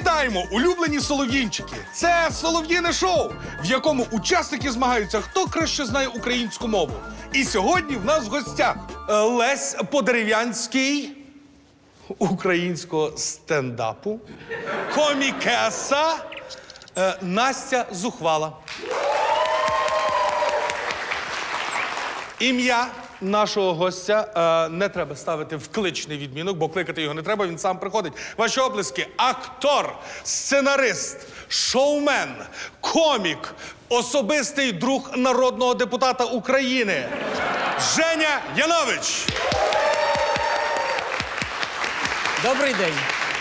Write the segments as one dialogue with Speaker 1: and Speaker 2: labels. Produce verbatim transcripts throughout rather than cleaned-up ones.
Speaker 1: Вітаємо, улюблені солов'їнчики! Це солов'їне шоу, в якому учасники змагаються, хто краще знає українську мову. І сьогодні в нас в гостях е, Лесь Подерев'янський українського стендапу, комікеса е, Настя Зухвала. Ім'я нашого гостя е, не треба ставити в кличний відмінок, бо кликати його не треба, він сам приходить. Ваші оплески – актор, сценарист, шоумен, комік, особистий друг народного депутата України Женя Янович.
Speaker 2: Добрий день.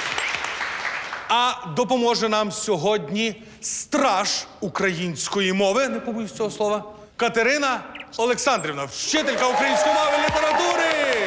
Speaker 1: А допоможе нам сьогодні страж української мови, не побоюсь цього слова, Катерина Олександрівна, вчителька української мови і літератури.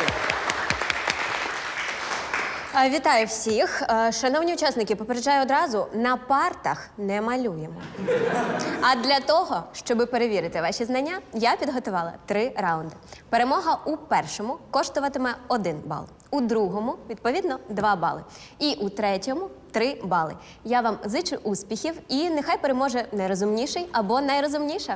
Speaker 3: А, Вітаю всіх. Е, Шановні учасники, попереджаю одразу, на партах не малюємо. А для того, щоб перевірити ваші знання, я підготувала три раунди. Перемога у першому коштуватиме один бал, у другому, відповідно, два бали. І у третьому – три бали. Я вам зичу успіхів і нехай переможе найрозумніший або найрозумніша.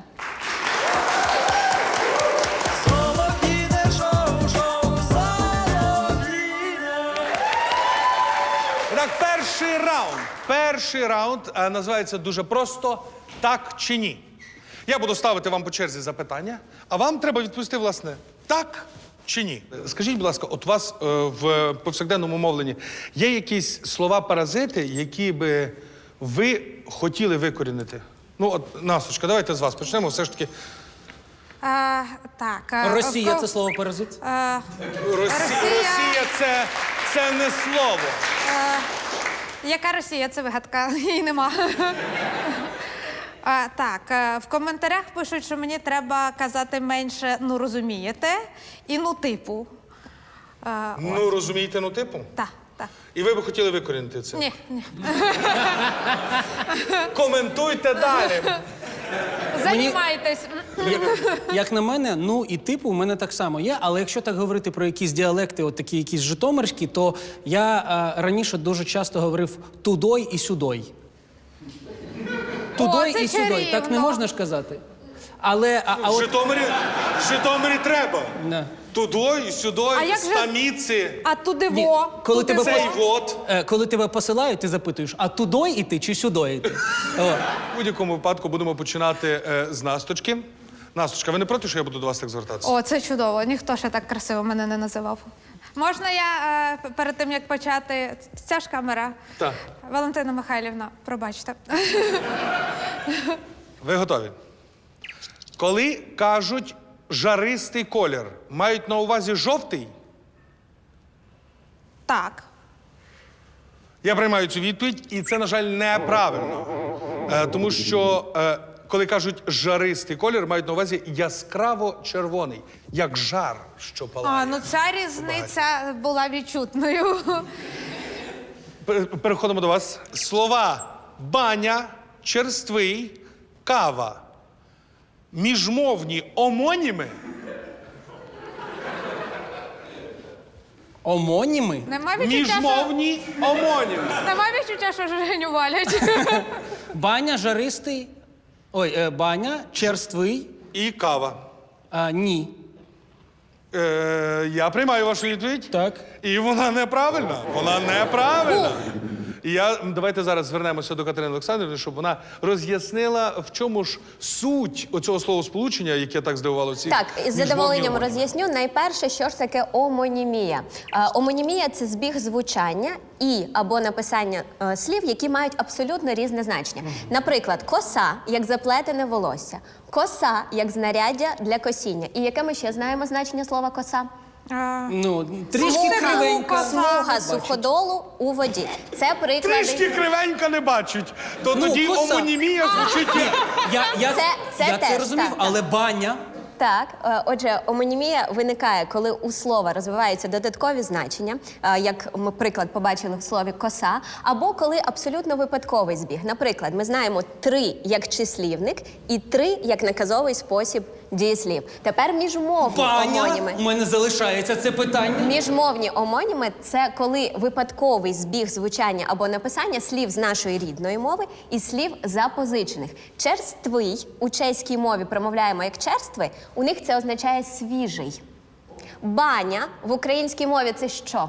Speaker 1: Так, перший раунд. Перший раунд е, називається дуже просто «Так чи ні?». Я буду ставити вам по черзі запитання, а вам треба відповісти, власне, так чи ні. Скажіть, будь ласка, от у вас е, в повсякденному мовленні є якісь слова-паразити, які би ви хотіли викорінити? Ну, от, Насточка, давайте з вас почнемо. Все ж таки,
Speaker 4: А, так. а,
Speaker 2: Росія
Speaker 4: в-
Speaker 2: – це слово паразит?
Speaker 4: а,
Speaker 1: Росія,
Speaker 4: Росія-
Speaker 1: Росія це, це не слово.
Speaker 4: Яка Росія? Це вигадка. Її нема. А, так, а, в коментарях пишуть, що мені треба казати менше «ну розумієте» і «ну типу». А,
Speaker 1: Ну, розумієте, ну, типу?
Speaker 4: так, так.
Speaker 1: І ви би хотіли викорінити це?
Speaker 4: Ні, ні.
Speaker 1: Коментуйте далі.
Speaker 4: Займайтесь.
Speaker 2: Як на мене, ну і типу у мене так само є, але якщо так говорити про якісь діалекти, от такі якісь житомирські, то я а, раніше дуже часто говорив «тудой» і «сюдой». «Тудой»
Speaker 4: це
Speaker 2: і «сюдой». Так не
Speaker 4: чарівно.
Speaker 2: можна ж казати? Але, а, а
Speaker 1: В
Speaker 2: от...
Speaker 1: Житомирі, в Житомирі треба.
Speaker 2: Да.
Speaker 1: Тудой, сюдой,
Speaker 4: А як же-
Speaker 1: стаміці,
Speaker 4: А туди
Speaker 2: Ні,
Speaker 4: во.
Speaker 2: коли
Speaker 4: туди
Speaker 2: тебе
Speaker 4: во.
Speaker 1: цей вот.
Speaker 2: Е, коли тебе посилають, ти запитуєш, а «тудой» іти чи «сюдой» іти? О.
Speaker 1: В будь-якому випадку будемо починати е, з Насточки. Насточка, ви не проти, що я буду до вас так звертатися?
Speaker 4: О, це чудово. Ніхто ще так красиво мене не називав. Можна я е, п- перед тим, як почати, ця ж камера?
Speaker 1: Так.
Speaker 4: Валентина Михайлівна, пробачте.
Speaker 1: Ви готові? Коли кажуть жаристий колір, мають на увазі жовтий?
Speaker 4: Так.
Speaker 1: Я приймаю цю відповідь, і це, на жаль, неправильно. Е, тому що, е, коли кажуть жаристий колір, мають на увазі яскраво-червоний, як жар, що палає.
Speaker 4: А, ну ця різниця була відчутною.
Speaker 1: Пер- Переходимо до вас. Слова баня, черствий, кава. Міжмовні омоніми.
Speaker 2: Омоніми?
Speaker 4: Нема відчуття, що...
Speaker 1: Міжмовні омоніми.
Speaker 4: Нема відчуття, що Женю валять.
Speaker 2: Баня, жаристий, ой, е, баня, черствий,
Speaker 1: І кава.
Speaker 2: а, ні.
Speaker 1: Е, я приймаю вашу відповідь.
Speaker 2: Так.
Speaker 1: І вона неправильна. Вона неправильна. І я, давайте зараз звернемося до Катерини Олександрівни, щоб вона роз'яснила, в чому ж суть оцього словосполучення, яке так здивувало всіх.
Speaker 3: Так, із
Speaker 1: міжмовні
Speaker 3: задоволенням
Speaker 1: омоніми.
Speaker 3: роз'ясню. Найперше, що ж таке омонімія. Е, Омонімія – це збіг звучання і або написання е, слів, які мають абсолютно різне значення. Наприклад, коса – як заплетене волосся, коса – як знаряддя для косіння. І яке ми ще знаємо значення слова коса?
Speaker 4: А,
Speaker 2: Ну, трішки
Speaker 4: Смуга.
Speaker 2: кривенька.
Speaker 3: Смуга суходолу у воді. Це приклади.
Speaker 1: Трішки кривенька не бачать, то
Speaker 2: Ну,
Speaker 1: тоді
Speaker 2: коса.
Speaker 1: омонімія звучить як...
Speaker 2: Я, я,
Speaker 3: Це- це
Speaker 2: я
Speaker 3: теж,
Speaker 2: це розумів,
Speaker 3: так, так.
Speaker 2: але баня.
Speaker 3: Так, е, отже, омонімія виникає, коли у слова розвиваються додаткові значення, е, як ми приклад побачили в слові коса, або коли абсолютно випадковий збіг. Наприклад, ми знаємо три як числівник і три як наказовий спосіб дієслів. Тепер міжмовні
Speaker 2: Ваня,
Speaker 3: омоніми.
Speaker 2: у мене залишається це питання.
Speaker 3: Міжмовні омоніми – це коли випадковий збіг звучання або написання слів з нашої рідної мови і слів запозичених. Черствий у чеській мові промовляємо як черствий, у них це означає свіжий. Баня в українській мові – це що?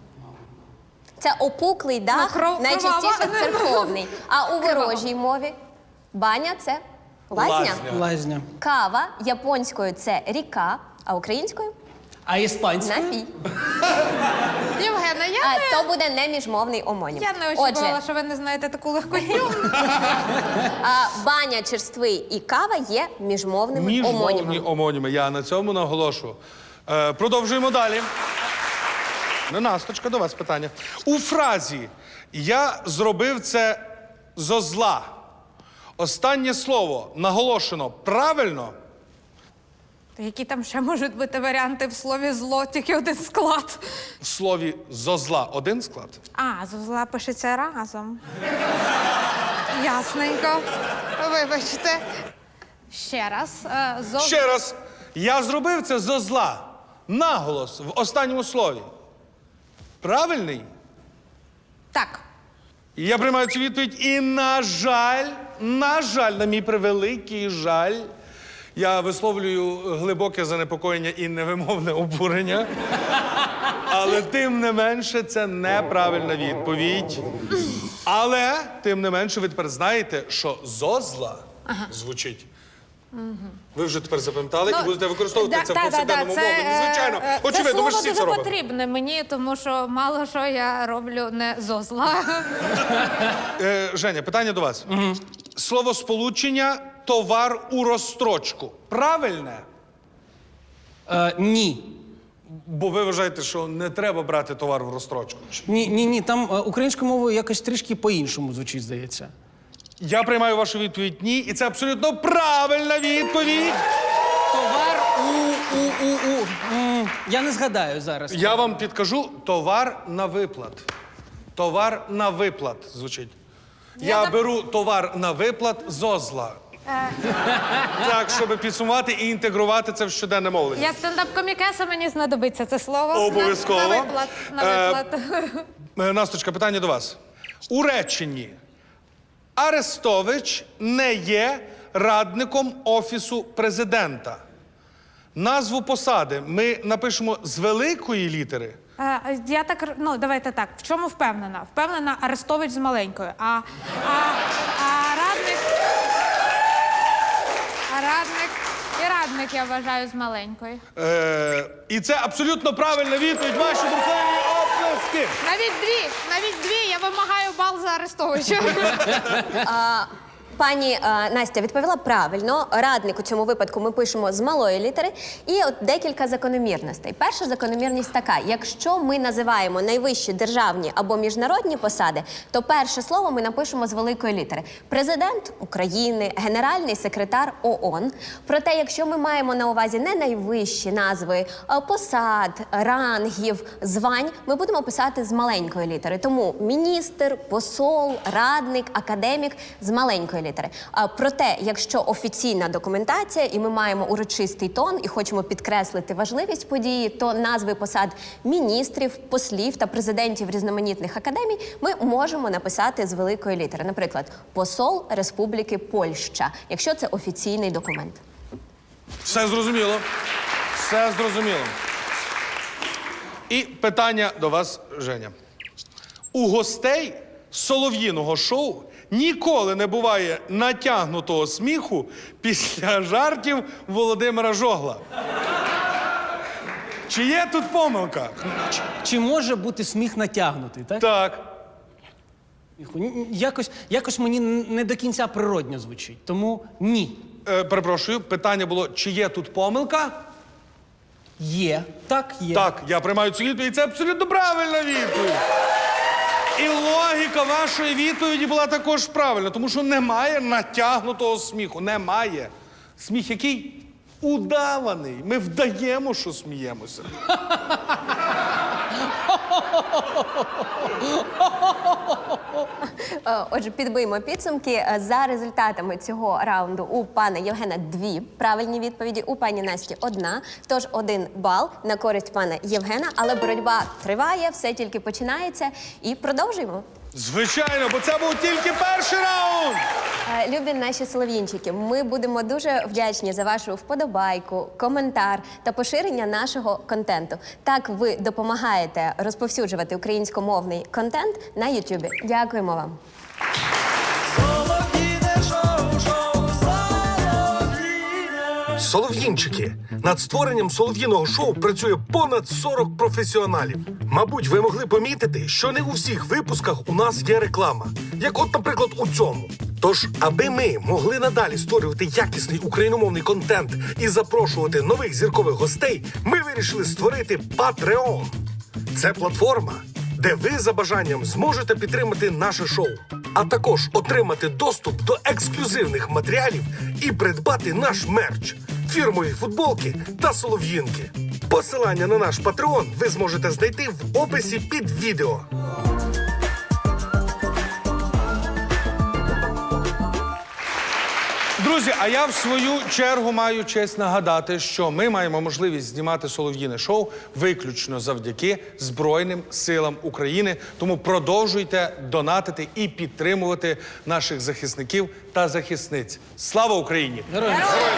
Speaker 3: Це опуклий дах,
Speaker 4: Ну, кров-
Speaker 3: найчастіше
Speaker 4: кровава.
Speaker 3: церковний. А у ворожій мові баня – це лазня.
Speaker 1: Лазня.
Speaker 2: Лазня.
Speaker 3: Кава японською – це ріка, а українською
Speaker 2: А іспанською?
Speaker 3: – напій.
Speaker 4: Євгена, я
Speaker 3: А
Speaker 4: не,
Speaker 3: то буде неміжмовний омонім.
Speaker 4: я не очікувала,
Speaker 3: Отже,
Speaker 4: що ви не знаєте таку легкотню.
Speaker 3: а, баня, черствий і кава є міжмовними
Speaker 1: Міжмовні
Speaker 3: омонімами.
Speaker 1: омоніми. Я на цьому наголошую. Е, продовжуємо далі. Ненасточка, до вас питання. У фразі «я зробив це зо зла» останнє слово наголошено правильно?
Speaker 4: Які там ще можуть бути варіанти в слові зло, тільки один склад.
Speaker 1: В слові «зо зла» один склад?
Speaker 4: А, зозла пишеться разом. Ясненько. Вибачте. Ще раз. Е, зо...
Speaker 1: Ще раз. Я зробив це зо зла. Наголос в останньому слові. Правильний?
Speaker 4: Так.
Speaker 1: І я приймаю цю відповідь. І, на жаль, на жаль, на мій превеликий жаль, я висловлюю глибоке занепокоєння і невимовне обурення. Але тим не менше, це неправильна відповідь. Але, тим не менше, ви тепер знаєте, що зозла звучить. Ви вже тепер запам'ятали і будете використовувати
Speaker 4: да,
Speaker 1: це в
Speaker 4: да,
Speaker 1: повсякденному
Speaker 4: да, да,
Speaker 1: мовленні.
Speaker 4: це,
Speaker 1: Звичайно.
Speaker 4: е, е,
Speaker 1: Очевидно, ви ж
Speaker 4: це
Speaker 1: всі це
Speaker 4: слово дуже
Speaker 1: робите.
Speaker 4: потрібне мені, тому що мало що я роблю не зо зла.
Speaker 1: Е, Женя, питання до вас. Угу. Словосполучення «товар у розстрочку». Правильне?
Speaker 2: Е, ні.
Speaker 1: Бо ви вважаєте, що не треба брати товар в розстрочку.
Speaker 2: Ні, ні, ні. Там е, українською мовою якось трішки по-іншому звучить, здається.
Speaker 1: Я приймаю вашу відповідь «ні», і це абсолютно правильна відповідь.
Speaker 2: Товар у, у, у, у. М, я не згадаю зараз.
Speaker 1: Я вам підкажу «товар на виплат». «Товар на виплат» звучить. Я,
Speaker 4: Я так-
Speaker 1: беру товар на виплат зозла. Так, щоб підсумувати і інтегрувати це в щоденне мовлення.
Speaker 4: Я стендап-комікеса, мені знадобиться це слово.
Speaker 1: Обов'язково.
Speaker 4: На, на виплат. На
Speaker 1: Е,
Speaker 4: виплат.
Speaker 1: Е, Насточка, питання до вас. У реченні Арестович не є радником Офісу президента. Назву посади ми напишемо з великої літери.
Speaker 4: Е, Я так, р- ну, давайте так. В чому впевнена? Впевнена Арестович з маленькою. А, а, а радник... А радник... І радник, я вважаю, з маленькою.
Speaker 1: Е, і це абсолютно правильна відповідь. Ваші бурхливі оплески.
Speaker 4: Навіть дві, навіть дві. Я вимагаю бал за Арестовича.
Speaker 3: Пані е, Настя відповіла правильно. Радник у цьому випадку ми пишемо з малої літери. І от декілька закономірностей. Перша закономірність така: якщо ми називаємо найвищі державні або міжнародні посади, то перше слово ми напишемо з великої літери. Президент України, генеральний секретар ООН. Проте, якщо ми маємо на увазі не найвищі назви е, посад, рангів, звань, ми будемо писати з маленької літери. Тому міністр, посол, радник, академік з маленької літери. А, проте, якщо офіційна документація і ми маємо урочистий тон і хочемо підкреслити важливість події, то назви посад міністрів, послів та президентів різноманітних академій ми можемо написати з великої літери. Наприклад, посол Республіки Польща, якщо це офіційний документ.
Speaker 1: Все зрозуміло. Все зрозуміло. І питання до вас, Женя. У гостей солов'їного шоу ніколи не буває натягнутого сміху після жартів Володимира Жогла. Чи є тут помилка?
Speaker 2: Чи, чи може бути сміх натягнутий, так?
Speaker 1: Так.
Speaker 2: Н- Якось, якось мені н- не до кінця природньо звучить, тому ні.
Speaker 1: Е, перепрошую, питання було, чи є тут помилка?
Speaker 2: Є. Так, є.
Speaker 1: Так, я приймаю цю відповідь. Це абсолютно правильна відповідь. І логіка вашої відповіді була також правильна, тому що немає натягнутого сміху. Немає. Сміх який? Удаваний. Ми вдаємо, що сміємося.
Speaker 3: Е, Отже, підбиймо підсумки. Е, За результатами цього раунду у пана Євгена дві правильні відповіді, у пані Насті одна. Тож один бал на користь пана Євгена, але боротьба триває, все тільки починається. І продовжуємо.
Speaker 1: Звичайно, бо це був тільки перший раунд!
Speaker 3: Е, Любі наші солов'їнчики, ми будемо дуже вдячні за вашу вподобайку, коментар та поширення нашого контенту. Так ви допомагаєте розповсюджувати українськомовний контент на Ютубі. Дякуємо вам.
Speaker 5: Солов'їнчики. Над створенням солов'їного шоу працює понад сорок професіоналів. Мабуть, ви могли помітити, що не у всіх випусках у нас є реклама. Як от, наприклад, у цьому. Тож, аби ми могли надалі створювати якісний україномовний контент і запрошувати нових зіркових гостей, ми вирішили створити Patreon. Це платформа, де ви за бажанням зможете підтримати наше шоу, а також отримати доступ до ексклюзивних матеріалів і придбати наш мерч, фірмові футболки та солов'їнки. Посилання на наш Patreon ви зможете знайти в описі під відео.
Speaker 1: Друзі, а я в свою чергу маю честь нагадати, що ми маємо можливість знімати солов'їне шоу виключно завдяки Збройним силам України. Тому продовжуйте донатити і підтримувати наших захисників та захисниць. Слава Україні!
Speaker 2: Героям.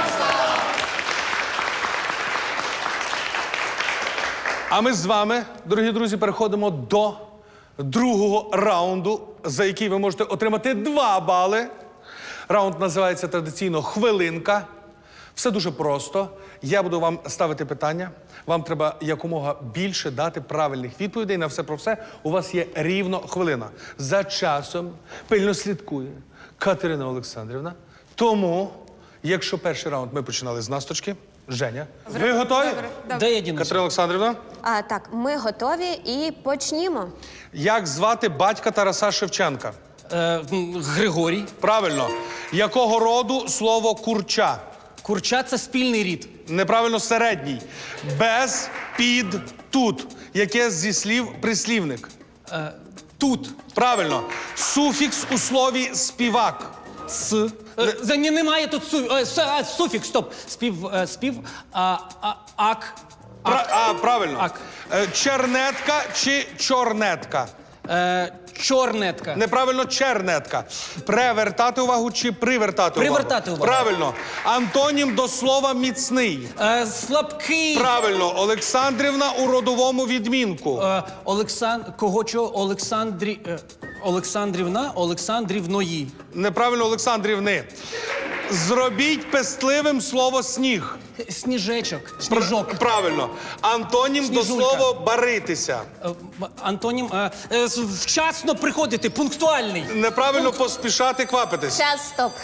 Speaker 1: А ми з вами, дорогі друзі, переходимо до другого раунду, за який ви можете отримати два бали. Раунд називається традиційно «Хвилинка». Все дуже просто. Я буду вам ставити питання. Вам треба якомога більше дати правильних відповідей на все про все. У вас є рівно хвилина. За часом пильно слідкує Катерина Олександрівна. Тому, якщо перший раунд ми починали з насточки, Женя, ви готові?
Speaker 2: Де я дінуся?
Speaker 1: Катерина Олександрівна,
Speaker 3: А так, ми готові і почнімо.
Speaker 1: як звати батька Тараса Шевченка?
Speaker 2: Е, м, Григорій.
Speaker 1: Правильно. Якого роду слово курча?
Speaker 2: Курча – це спільний рід.
Speaker 1: Неправильно, середній. Без, під, тут. Яке зі слів прислівник?
Speaker 2: Е, тут.
Speaker 1: Правильно. Суфікс у слові співак.
Speaker 2: С. Е, за- ні, немає тут су, е, с, а, суфікс, стоп. Спів, е, спів, а, а, ак.
Speaker 1: Пра- а, правильно.
Speaker 2: Ак.
Speaker 1: Е, Чернетка чи чорнетка?
Speaker 2: Е, чорнетка.
Speaker 1: Неправильно, чернетка. Превертати увагу чи привертати увагу?
Speaker 2: Привертати увагу.
Speaker 1: Правильно. Антонім до слова міцний.
Speaker 2: Е, слабкий.
Speaker 1: Правильно. Олександрівна у родовому відмінку.
Speaker 2: Е, Олексан... Кого чого? Олександрі... Е, Олександрівна, Олександрівної.
Speaker 1: Неправильно, Олександрівни. Зробіть пестливим слово сніг.
Speaker 2: Сніжечок. Сніжок.
Speaker 1: Правильно. Антонім до
Speaker 2: Сніжулька.
Speaker 1: слова баритися.
Speaker 2: Е, м- Антонім. Е, е, с- вчасно приходити, пунктуальний.
Speaker 1: Неправильно поспішати квапитись.
Speaker 3: Час, стоп.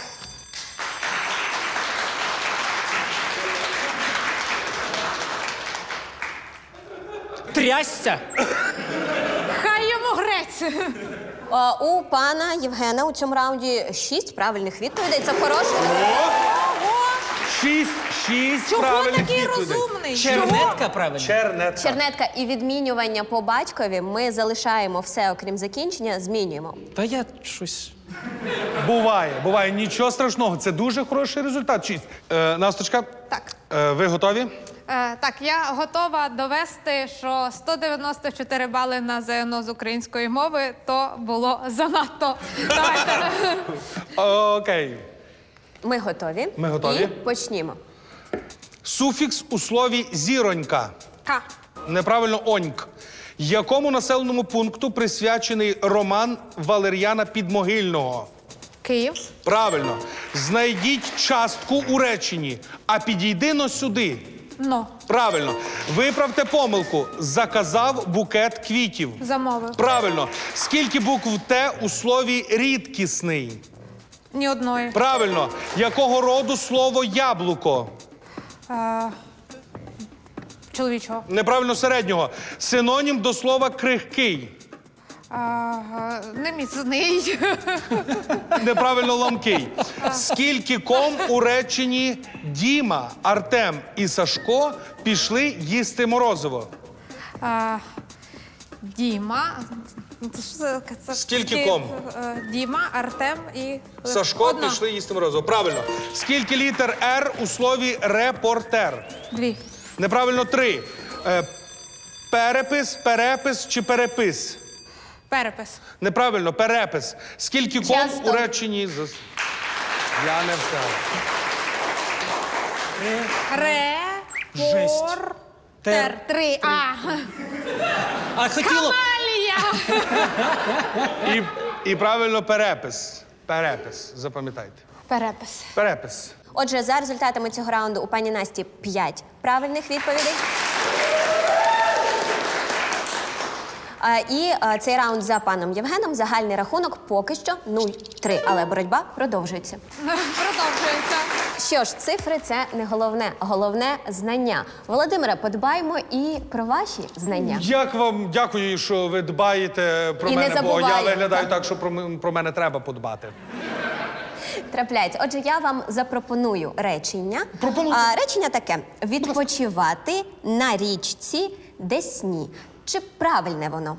Speaker 2: Трясся.
Speaker 4: Хай йому грець.
Speaker 3: А, у пана Євгена у цьому раунді шість правильних відповідей. Це хороший результат.
Speaker 1: Шість, шість
Speaker 4: Чого
Speaker 1: правильних
Speaker 4: такий
Speaker 1: відповідей.
Speaker 4: розумний?
Speaker 2: Чернетка, правильно?
Speaker 1: Чернетка.
Speaker 3: Чернетка і відмінювання по батькові ми залишаємо все, окрім закінчення, змінюємо.
Speaker 2: Та я щось.
Speaker 1: Буває, буває. Нічого страшного. Це дуже хороший результат. Шість. Е, Насточка,
Speaker 4: Так.
Speaker 1: е, ви готові?
Speaker 4: Е, так, я готова довести, що сто дев'яносто чотири бали на ЗНО з української мови то було занадто. Давайте.
Speaker 1: Окей.
Speaker 3: Ми готові.
Speaker 1: Ми готові.
Speaker 3: І почнімо.
Speaker 1: Суфікс у слові зіронька.
Speaker 4: К.
Speaker 1: Неправильно, оньк. Якому населеному пункту присвячений роман Валер'яна Підмогильного?
Speaker 4: Київ.
Speaker 1: Правильно. Знайдіть частку у реченні, а підійди но сюди.
Speaker 4: Но.
Speaker 1: Правильно. Виправте помилку. Заказав букет квітів.
Speaker 4: Замовив.
Speaker 1: Правильно. Скільки букв Т у слові рідкісний?
Speaker 4: Ні одної.
Speaker 1: Правильно. Якого роду слово яблуко?
Speaker 4: Е, чоловічого.
Speaker 1: Неправильно, середнього. Синонім до слова крихкий.
Speaker 4: Е, е, неміцний.
Speaker 1: Неправильно, ламкий. Скільки ком у реченні Діма, Артем і Сашко пішли їсти морозиво?
Speaker 4: Е, Діма. Це ж, е, це-
Speaker 1: Скільки
Speaker 4: ці-
Speaker 1: ком?
Speaker 4: е, Діма, Артем і.
Speaker 1: Сашко,
Speaker 4: Одна.
Speaker 1: пішли їсти морозиво. Правильно. Скільки літер «Р» у слові «репортер»?
Speaker 4: Дві.
Speaker 1: Неправильно, три. Е, перепис, перепис чи перепис?
Speaker 4: Перепис.
Speaker 1: Неправильно, перепис. Скільки ком
Speaker 3: Часто.
Speaker 1: у реченні? Зас- Я не встиг.
Speaker 4: Ре.
Speaker 2: Жесть.
Speaker 4: Пор.
Speaker 2: Тер.
Speaker 4: Тер. Три. А.
Speaker 2: А хотіло.
Speaker 4: Алія.
Speaker 1: І, і правильно перепис. Перепис. Запам'ятайте.
Speaker 4: Перепис.
Speaker 1: Перепис.
Speaker 3: Отже, за результатами цього раунду у пані Насті п'ять правильних відповідей. А, І а, цей раунд за паном Євгеном. Загальний рахунок поки що нуль-три, але боротьба продовжується.
Speaker 4: Продовжується.
Speaker 3: Що ж, цифри це не головне, головне знання. Володимире, подбаймо і про ваші знання.
Speaker 1: Як вам дякую, що ви дбаєте про
Speaker 3: І не
Speaker 1: мене, бо я
Speaker 3: забуваємо,
Speaker 1: виглядаю
Speaker 3: так?
Speaker 1: так, що про, м- про мене треба подбати.
Speaker 3: Трапляється. Отже, я вам запропоную речення.
Speaker 1: Пропонуйте.
Speaker 3: А, речення таке: відпочивати на річці Десні. Чи правильне воно?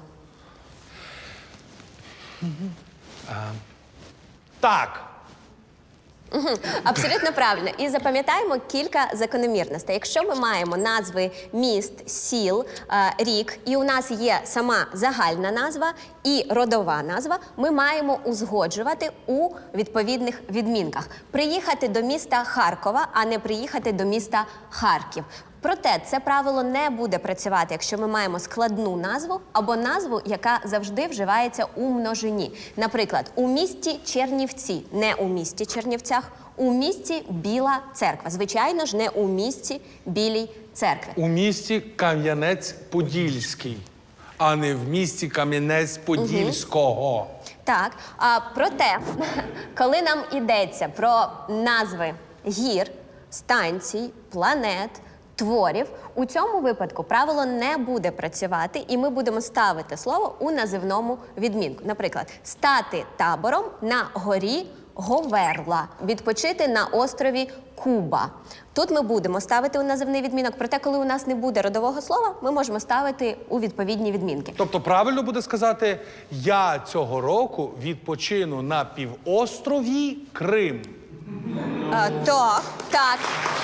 Speaker 1: Так.
Speaker 3: Абсолютно правильно. І запам'ятаємо кілька закономірностей. Якщо ми маємо назви міст, сіл, е, рік, і у нас є сама загальна назва і родова назва, ми маємо узгоджувати у відповідних відмінках. Приїхати до міста Харкова, а не приїхати до міста Харків. Проте це правило не буде працювати, якщо ми маємо складну назву або назву, яка завжди вживається у множині. Наприклад, у місті Чернівці, не у місті Чернівцях, у місті Біла Церква. Звичайно ж, не у місті Білій Церкви.
Speaker 1: У місті Кам'янець-Подільський, а не в місті Кам'янець-Подільського.
Speaker 3: Так, а проте, коли нам йдеться про назви гір, станцій, планет, творів, у цьому випадку правило не буде працювати, і ми будемо ставити слово у називному відмінку. Наприклад, стати табором на горі Говерла, відпочити на острові Куба. Тут ми будемо ставити у називний відмінок, проте, коли у нас не буде родового слова, ми можемо ставити у відповідні відмінки.
Speaker 1: Тобто правильно буде сказати, я цього року відпочину на півострові Крим.
Speaker 3: А, так, так.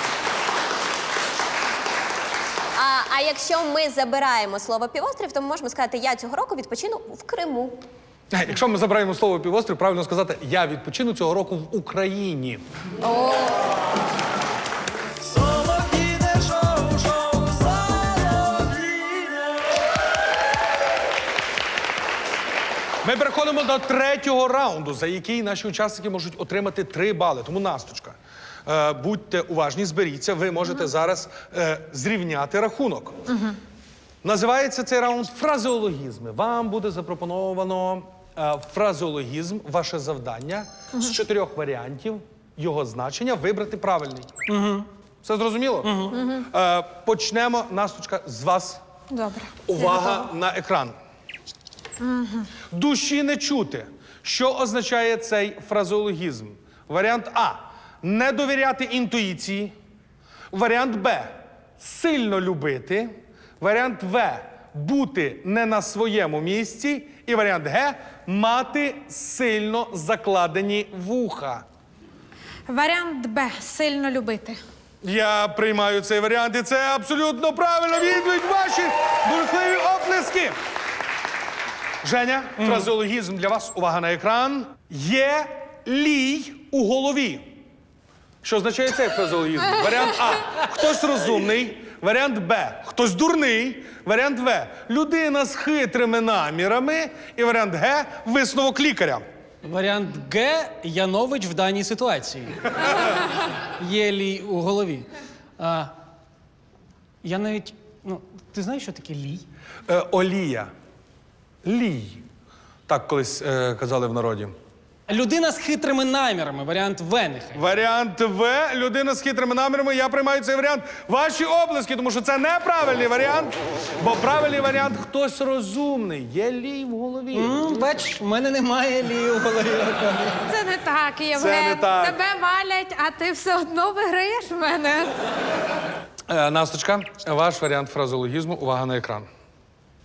Speaker 3: А, а якщо ми забираємо слово півострів, то ми можемо сказати, я цього року відпочину в Криму.
Speaker 1: Е, Якщо ми забираємо слово півострів, правильно сказати, я відпочину цього року в Україні.
Speaker 3: О,
Speaker 1: Ми переходимо до третього раунду, за який наші учасники можуть отримати три бали. Тому, Насточка, е, будьте уважні, зберіться, ви можете зараз е, зрівняти рахунок. Називається цей раунд фразеологізми. Вам буде запропоновано е, фразеологізм, ваше завдання з чотирьох варіантів його значення вибрати правильний. Все зрозуміло? Е, почнемо, Насточка, з вас.
Speaker 4: Добре.
Speaker 1: Увага на екран. Душі не чути. Що означає цей фразеологізм? Варіант А. Не довіряти інтуїції. Варіант Б. Сильно любити. Варіант В. Бути не на своєму місці. І варіант Г. Мати сильно закладені вуха.
Speaker 4: Варіант Б. Сильно любити.
Speaker 1: Я приймаю цей варіант, і це абсолютно правильно. Відповідь ваші бурхливі оплески. Женя, фразеологізм для вас. Увага на екран. Є лій у голові. Що означає цей фразеологізм? Варіант А. Хтось розумний. Варіант Б. Хтось дурний. Варіант В. Людина з хитрими намірами. І варіант Г. Висновок лікаря.
Speaker 2: Варіант Г. Янович в даній ситуації. Є лій у голові. А, я навіть. Ну, ти знаєш, що таке лій?
Speaker 1: Е, олія. Лій. Так колись е, казали в народі.
Speaker 2: Людина з хитрими намірами. Варіант В нехай.
Speaker 1: Варіант В. Людина з хитрими намірами. Я приймаю цей варіант. Ваші оплески, тому що це неправильний варіант. Бо правильний варіант – хтось розумний. Є лій в голові.
Speaker 2: М, Бач, в мене немає лії у голові.
Speaker 4: Це не так, Євген.
Speaker 1: не так.
Speaker 4: Тебе валять, а ти все одно виграєш в мене.
Speaker 1: Е, Насточка, ваш варіант фразеологізму. Увага на екран.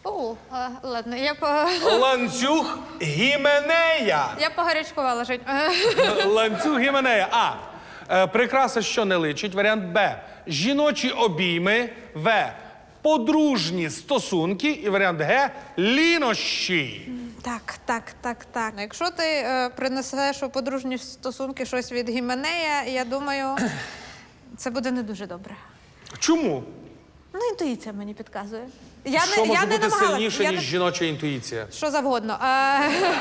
Speaker 4: О, а, ладно, я по
Speaker 1: Ланцюг Гіменея.
Speaker 4: я погарячкувала жить.
Speaker 1: Ланцюг Гіменея. А. Е, Прикраса, що не личить. Варіант Б. Жіночі обійми. В. Подружні стосунки. І варіант Г. Лінощі.
Speaker 4: Так, так, так, так. Якщо ти е, принесеш у подружні стосунки щось від Гіменея, я думаю, це буде не дуже добре.
Speaker 1: Чому?
Speaker 4: Ну, інтуїція мені підказує. Я
Speaker 1: Що
Speaker 4: не,
Speaker 1: може
Speaker 4: я не
Speaker 1: бути
Speaker 4: намагалась.
Speaker 1: сильніше,
Speaker 4: я
Speaker 1: ніж
Speaker 4: не...
Speaker 1: жіноча інтуїція?
Speaker 4: Що завгодно. А...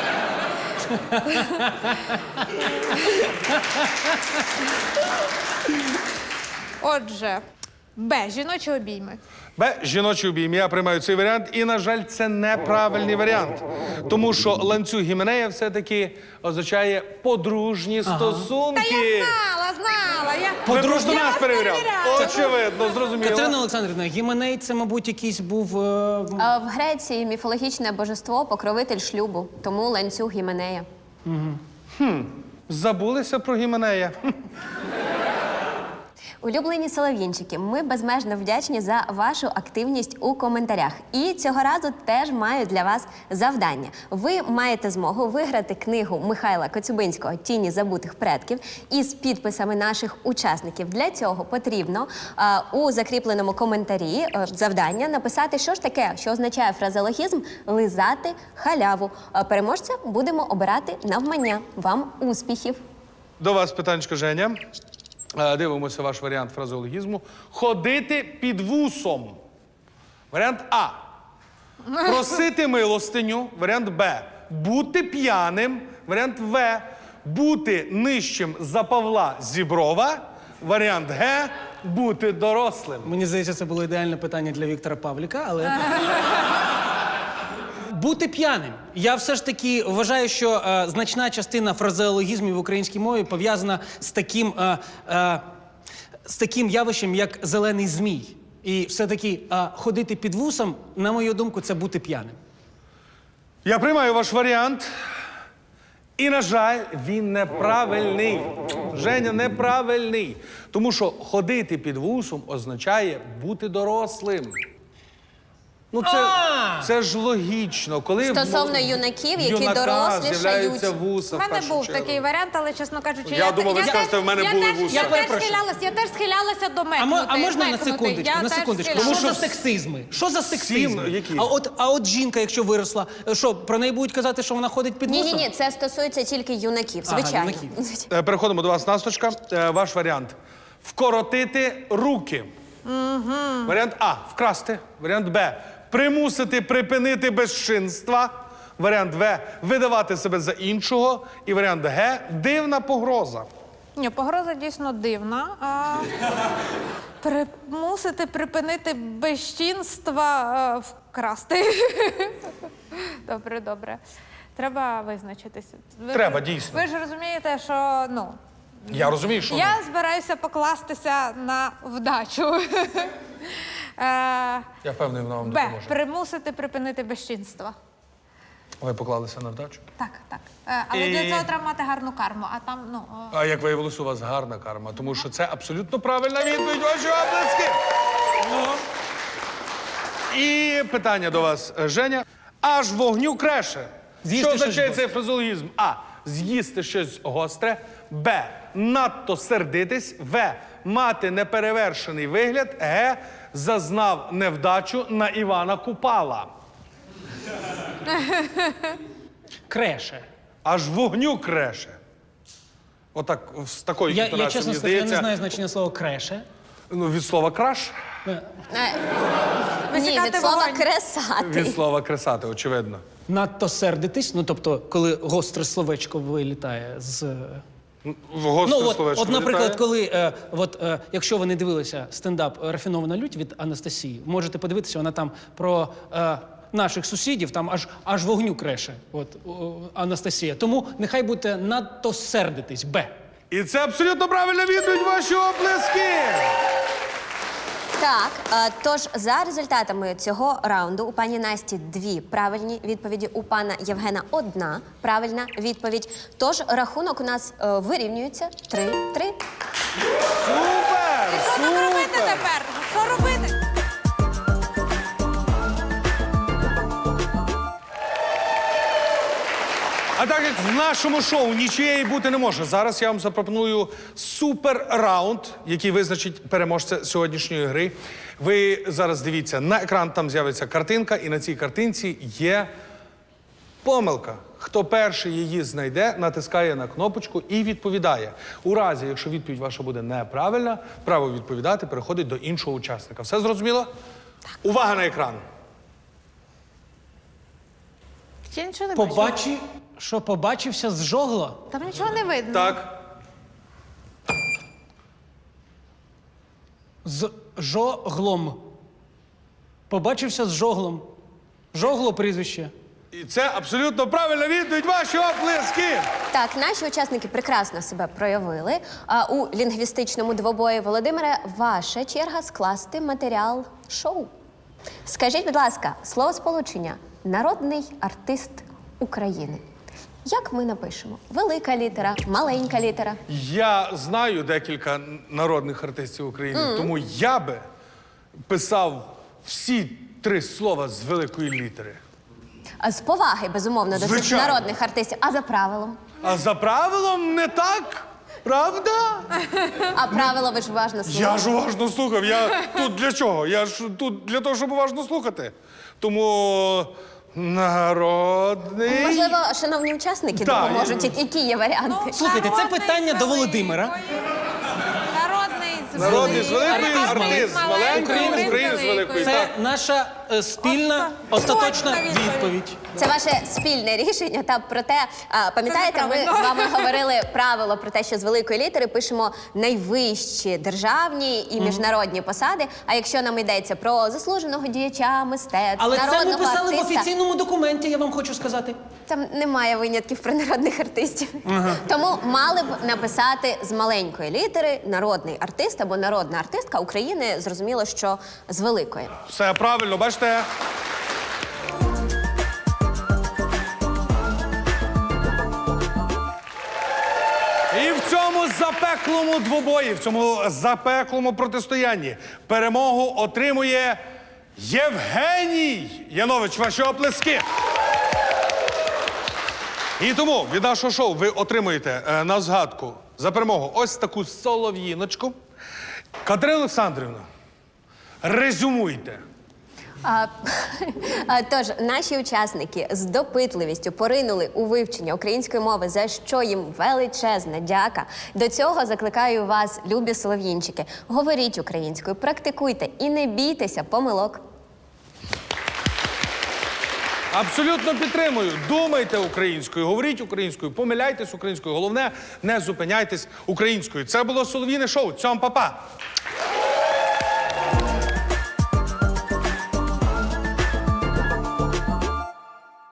Speaker 4: Отже, Б. Жіночі обійми.
Speaker 1: Б. Жіночі обійми. Я приймаю цей варіант. І, на жаль, це неправильний варіант. Тому що ланцюг Гіменея все-таки означає подружні стосунки.
Speaker 4: Та я знала, знала. Я...
Speaker 1: Ви просто
Speaker 4: Я
Speaker 1: нас
Speaker 4: вас
Speaker 1: перевіряв.
Speaker 4: перевіряла.
Speaker 1: Очевидно, зрозуміло.
Speaker 2: Катерина Олександрівна, Гіменей це, мабуть, якийсь був. е,
Speaker 3: А в Греції міфологічне божество, покровитель шлюбу, тому ланцюг Гіменея.
Speaker 1: Забулися про Гіменея.
Speaker 3: Улюблені солов'їнчики, ми безмежно вдячні за вашу активність у коментарях. І цього разу теж маю для вас завдання. Ви маєте змогу виграти книгу Михайла Коцюбинського «Тіні забутих предків» із підписами наших учасників. Для цього потрібно а, у закріпленому коментарі а, завдання написати, що ж таке, що означає фразеологізм «лизати халяву». А, переможця будемо обирати навмання. Вам успіхів!
Speaker 1: До вас питанечко, Женя. Е, Дивимося ваш варіант фразеологізму. Ходити під вусом. Варіант А. Просити милостиню. Варіант Б. Бути п'яним. Варіант В. Бути нижчим за Павла Зіброва. Варіант Г. Бути дорослим.
Speaker 2: Мені здається, це було ідеальне питання для Віктора Павліка, але. Бути п'яним. Я все ж таки вважаю, що е, значна частина фразеологізмів в українській мові пов'язана з таким, е, е, з таким явищем, як зелений змій. І все-таки е, ходити під вусом, на мою думку, це бути п'яним.
Speaker 1: Я приймаю ваш варіант. І, на жаль, він неправильний. Женя, неправильний. Тому що ходити під вусом означає бути дорослим. Ну, це, це ж логічно. Коли
Speaker 3: Стосовно
Speaker 1: в-
Speaker 3: юнаків,
Speaker 1: в
Speaker 3: які
Speaker 1: юнака
Speaker 3: дорослішають.
Speaker 1: з'являються вуса
Speaker 4: У
Speaker 1: в
Speaker 4: мене
Speaker 1: першу
Speaker 4: був
Speaker 1: чергу.
Speaker 4: такий варіант, але, чесно кажучи,
Speaker 1: Я думав, ви
Speaker 4: теж-
Speaker 1: скажете, в мене
Speaker 4: я
Speaker 1: були
Speaker 4: теж-
Speaker 1: вуса.
Speaker 4: Я
Speaker 2: Я
Speaker 4: теж
Speaker 2: перепрошую.
Speaker 4: схилялася, я теж схилялася до
Speaker 2: А,
Speaker 4: мекнути.
Speaker 2: мо- а можна на
Speaker 4: мекнути.
Speaker 2: секундочку?
Speaker 4: Я
Speaker 2: На
Speaker 4: теж
Speaker 2: секундочку.
Speaker 4: схилялася.
Speaker 2: Що за сексизми? Що за сексизми?
Speaker 1: Всі, які?
Speaker 2: А от, а от жінка, якщо виросла, що, про неї будуть казати, що вона ходить під вусом?
Speaker 3: Ні-ні-ні, це стосується тільки юнаків,
Speaker 2: Ага,
Speaker 3: звичайно.
Speaker 2: юнаків.
Speaker 1: Е, Переходимо до вас, Насточка. Е, Ваш варіант. Вкоротити руки. Угу. Варіант А. Вкрасти. Варіант Б. Примусити припинити безчинства. Варіант В. Видавати себе за іншого. І варіант Г. Дивна погроза.
Speaker 4: Ні, погроза дійсно дивна. А... Примусити припинити безчинства е, вкрасти. Добре, добре. Треба визначитися. Ви
Speaker 1: Треба,
Speaker 4: ж-
Speaker 1: дійсно.
Speaker 4: Ви ж розумієте, що ну.
Speaker 1: Я розумію, що
Speaker 4: Я збираюся покластися на вдачу. Е,
Speaker 1: я впевнений, вона вам
Speaker 4: Б.
Speaker 1: допоможе.
Speaker 4: Примусити припинити безчинства.
Speaker 1: Ви поклалися на вдачу?
Speaker 4: Так, так. Е, Але
Speaker 1: І-
Speaker 4: для цього треба мати гарну карму, а там, ну. о,
Speaker 1: А як виявилось, у вас гарна карма, тому що це абсолютно правильна відповідь. Ваші оплески! Ну. І питання до вас, Женя. Аж вогню креше.
Speaker 2: З'їсти
Speaker 1: Що
Speaker 2: щось
Speaker 1: означає
Speaker 2: гостре.
Speaker 1: цей фразеологізм? А. З'їсти щось гостре. Б. Надто сердитись. В. Мати неперевершений вигляд. Г. Зазнав невдачу на Івана Купала.
Speaker 2: Креше.
Speaker 1: Аж вогню креше. Отак, з такою
Speaker 2: Я, я
Speaker 1: інтонацією,
Speaker 2: чесно
Speaker 1: мені
Speaker 2: скажу, я не
Speaker 1: здається,
Speaker 2: знаю значення слова креше.
Speaker 1: ну, від слова краш.
Speaker 3: Е, Ні,
Speaker 4: Висікати
Speaker 3: від слова
Speaker 4: вогонь.
Speaker 3: кресати.
Speaker 1: Від слова кресати, очевидно.
Speaker 2: Надто сердитись, ну тобто, коли гостре словечко вилітає з.
Speaker 1: В гостре
Speaker 2: Ну, от,
Speaker 1: словечко
Speaker 2: от, наприклад,
Speaker 1: вилітає.
Speaker 2: коли, е, от, е, якщо ви не дивилися стендап «Рафінована лють» від Анастасії, можете подивитися, вона там про е, наших сусідів, там аж, аж вогню креше, от, о, Анастасія. Тому нехай будете надто сердитись, Б.
Speaker 1: І це абсолютно правильна відповідь, ваші оплески!
Speaker 3: Так, е, тож за результатами цього раунду у пані Насті дві правильні відповіді, у пана Євгена одна правильна відповідь. Тож рахунок у нас е, вирівнюється три-три.
Speaker 1: Супер!
Speaker 4: Що нам робити
Speaker 1: Супер!
Speaker 4: тепер? Що робити?
Speaker 1: А так як в нашому шоу нічиєї бути не може, зараз я вам запропоную супер раунд, який визначить переможця сьогоднішньої гри. Ви зараз дивіться на екран, там з'явиться картинка, і на цій картинці є помилка. Хто перший її знайде, натискає на кнопочку і відповідає. У разі, якщо відповідь ваша буде неправильна, право відповідати переходить до іншого учасника. Все зрозуміло? Так. Увага на екран.
Speaker 4: Ще нічого не бачу.
Speaker 2: Побачи, що побачився з жогло.
Speaker 4: Там нічого не видно.
Speaker 1: Так.
Speaker 2: З жоглом. Побачився з жоглом. Жогло прізвище.
Speaker 1: І це абсолютно правильна відповідь. Ваші оплески!
Speaker 3: Так, наші учасники прекрасно себе проявили. А у лінгвістичному двобої, Володимире, ваша черга скласти матеріал шоу. Скажіть, будь ласка, словосполучення «народний артист України». Як ми напишемо? Велика літера, маленька літера.
Speaker 1: Я знаю декілька народних артистів України, тому я би писав всі три слова з великої літери.
Speaker 3: А з поваги, безумовно, до цих
Speaker 1: Звичайно.
Speaker 3: народних артистів. А за правилом?
Speaker 1: А за правилом не так, правда?
Speaker 3: А правило ви ж уважно слухали.
Speaker 1: Я ж уважно слухав. Я тут для чого? Я ж тут для того, щоб уважно слухати. Тому народний.
Speaker 3: Можливо, шановні учасники
Speaker 1: Так,
Speaker 3: допоможуть, які- які є варіанти.
Speaker 2: Слухайте, це
Speaker 4: Народний
Speaker 2: питання
Speaker 4: з
Speaker 2: до Володимира.
Speaker 4: великої. Народний з
Speaker 1: Народний з великої,
Speaker 2: Артист
Speaker 1: артист з
Speaker 4: маленької,
Speaker 1: маленької,
Speaker 4: Україна з
Speaker 1: України з великої.
Speaker 2: Це
Speaker 1: Так.
Speaker 2: наша е, спільна остаточна
Speaker 4: Остаточна відповідь.
Speaker 2: відповідь.
Speaker 3: Це ваше спільне рішення. Та проте, а, пам'ятаєте, ми
Speaker 4: неправильно.
Speaker 3: з вами говорили правило про те, що з великої літери пишемо найвищі державні і міжнародні посади. А якщо нам йдеться про заслуженого діяча мистецтв,
Speaker 2: Але це ми
Speaker 3: народного
Speaker 2: писали в
Speaker 3: артиста,
Speaker 2: офіційному документі, я вам хочу сказати.
Speaker 3: там немає винятків про народних артистів. Тому мали б написати з маленької літери народний артист або народна артистка України. Зрозуміло, що з великої.
Speaker 1: Все правильно, бачите? І в цьому запеклому двобої, в цьому запеклому протистоянні перемогу отримує Євгеній Янович. Ваші оплески. І тому від нашого шоу ви отримуєте е, на згадку за перемогу ось таку солов'їночку. Катерина Олександрівна, резюмуйте.
Speaker 3: А, а, тож, наші учасники з допитливістю поринули у вивчення української мови, за що їм величезна дяка. До цього закликаю вас, любі солов'їнчики, говоріть українською, практикуйте і не бійтеся помилок.
Speaker 1: Абсолютно підтримую. Думайте українською, говоріть українською, помиляйтесь українською. Головне, не зупиняйтесь українською. Це було Солов'їне шоу. Цьом, па-па!